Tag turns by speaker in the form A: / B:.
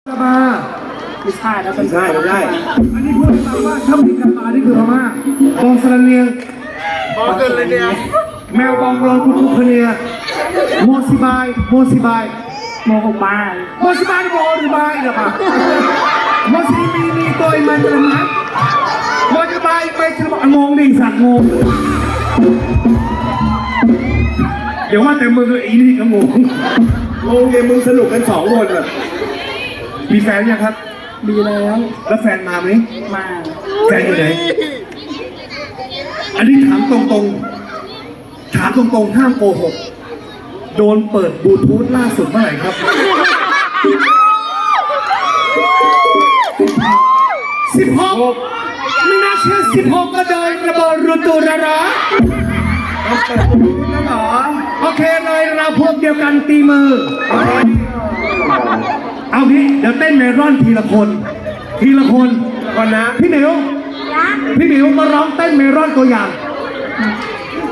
A: กะบา
B: ไม่ใช่แล้วเป็น
A: ไม่ใช่อันนี้พูดให้ฟังว่าถ้ามีกะบานี่คือพม่าบองสระเนียง
C: พอเกินเลยเนี่ย
A: แมวบองโรกุตุคเนียโมซิบาย
B: โมหกบาท
A: โมซิบายโมหรือบายนะปะโมซิมีตัวอีมันตัวนั้นโมซิบายไปฉันบอกงงดิสัตว์งงเดี๋ยวว่าแต่มึงเลยอีนี่ก็งงเนี่ยมึงสนุกกันสองคนอ่ะมีแฟนยังครับ
B: ดีแล้ว
A: แล้วแฟนมาไหม
B: มา
A: แฟนอยู่ไหนอันนี้ถามตรงๆห้ามโกหกโดนเปิดบลูทูธล่าสุดเมื่อไหร่ครับ16ไม่น่าเชื่อ16ก็เดินระเบิดรุตูระระโอเคเลยเราพวกเดียวกันตีมือเอางี้เดี๋ยวเต้นเมรอนทีละคนก่อนนะพี่หมิวมาร้องเต้นเมรอนตัวอย่าง